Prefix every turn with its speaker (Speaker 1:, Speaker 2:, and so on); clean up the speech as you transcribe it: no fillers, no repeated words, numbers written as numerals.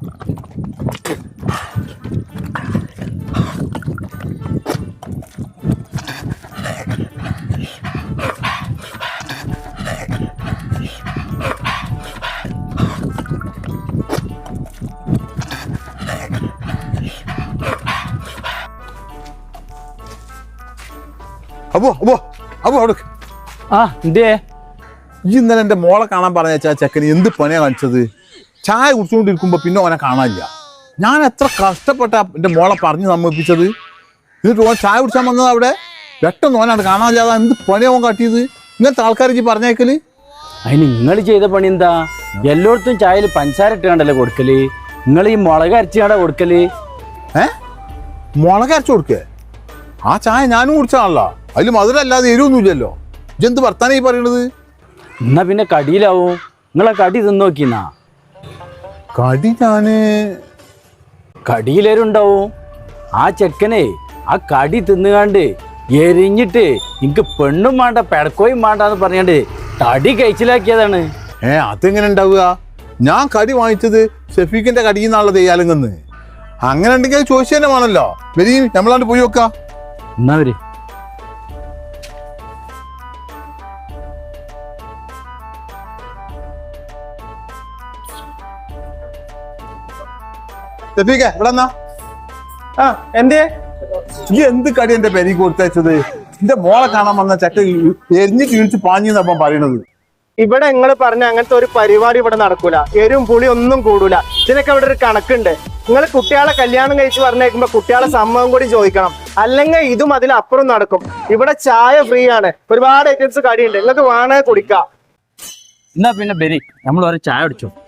Speaker 1: അപ്പോ അപ്പോ അപ്പോ അവിടെ
Speaker 2: എന്തേ
Speaker 1: ഈ ഇന്നലെ എൻ്റെ മോളെ കാണാൻ പറഞ്ഞ ചെക്കന് എന്ത് പണിയാ കാണിച്ചത്? ചായ കുടിച്ചുകൊണ്ടിരിക്കുമ്പോ പിന്നെ ഓനെ കാണാനില്ല. ഞാൻ എത്ര കഷ്ടപ്പെട്ട എൻ്റെ മോളെ പറഞ്ഞു സമ്മതിപ്പിച്ചത്. എന്നിട്ട് ഓൻ ചായ കുടിച്ചാൻ വന്നത് അവിടെ പെട്ടെന്ന് ഓനാണ് കാണാനില്ലാതെ എന്ത് പണിയാ ഓൻ കാട്ടിയത്? ഇങ്ങനത്തെ ആൾക്കാർക്ക് പറഞ്ഞേക്കല്.
Speaker 2: അതിന് നിങ്ങൾ ചെയ്ത പണി എന്താ? എല്ലായിടത്തും ചായയിൽ പഞ്ചസാര ഇട്ട് കണ്ടല്ലേ കൊടുക്കല്? നിങ്ങൾ ഈ മുളക് അരച്ച് കണ്ട കൊടുക്കല്?
Speaker 1: മുളക് അരച്ചു കൊടുക്കേ? ആ ചായ ഞാനും കുടിച്ചാണല്ലോ, അതിൽ മധുരം അല്ലാതെ എരിവൊന്നുമില്ലല്ലോ. ഇതെന്ത് വർത്താനം ഈ പറയണത്?
Speaker 2: എന്നാ പിന്നെ കടിയിലാവും. നിങ്ങളെ കടി തിന്ന് നോക്കിന്നാ.
Speaker 1: കടി
Speaker 2: കടിയിലേരുണ്ടാവും. ആ ചെക്കനെ ആ കടി തിന്നുകാണ്ട് എരിഞ്ഞിട്ട് എനിക്ക് പെണ്ണും വേണ്ട പെടക്കോയും വേണ്ടെന്ന് പറഞ്ഞാണ്ട് തടി കഴിച്ചിലാക്കിയതാണ്.
Speaker 1: അതെങ്ങനെ ഉണ്ടാവുക? ഞാൻ കടി വാങ്ങിച്ചത് ഷെഫീഖിന്റെ കടിയിൽ നിന്നാണല്ലോ തെയ്യാലെങ്കന്ന്. അങ്ങനെ ഉണ്ടെങ്കിൽ അത് ചോദിച്ചു തന്നെ വേണമല്ലോ. വരി, നമ്മളാണ്ട് പോയി നോക്കാം.
Speaker 2: എന്നാ വര്.
Speaker 1: ഷെഫീഖേ, ഇവിടെ എന്നാ?
Speaker 3: എന്തേ
Speaker 1: ഈ എന്ത് കടി എന്റെ പെരിക്ക് കൊടുത്തയച്ചത്? എന്റെ മോളെ കാണാൻ വന്ന ചക്ക എരിഞ്ഞ് കീഴ്ച്ച് പാഞ്ഞിന്നപ്പം പറയണത്.
Speaker 3: ഇവിടെ നിങ്ങൾ പറഞ്ഞ അങ്ങനത്തെ ഒരു പരിപാടി ഇവിടെ നടക്കൂല. എരും പുളി ഒന്നും കൂടൂല. ഇതിനൊക്കെ ഇവിടെ ഒരു കണക്കുണ്ട്. നിങ്ങൾ കുട്ടികളെ കല്യാണം കഴിച്ച് പറഞ്ഞേക്കുമ്പോ കുട്ടികളെ സമ്മതം കൂടി ചോദിക്കണം. അല്ലെങ്കിൽ ഇതും അതിലപ്പുറം നടക്കും. ഇവിടെ ചായ ഫ്രീ ആണ്. ഒരുപാട് ഐറ്റംസ് കടിയുണ്ട്. നിങ്ങൾക്ക് വേണേ കുടിക്കാം.
Speaker 2: എന്നാ പിന്നെ ബരി നമ്മൾ ഒരു ചായ അടിച്ചോ.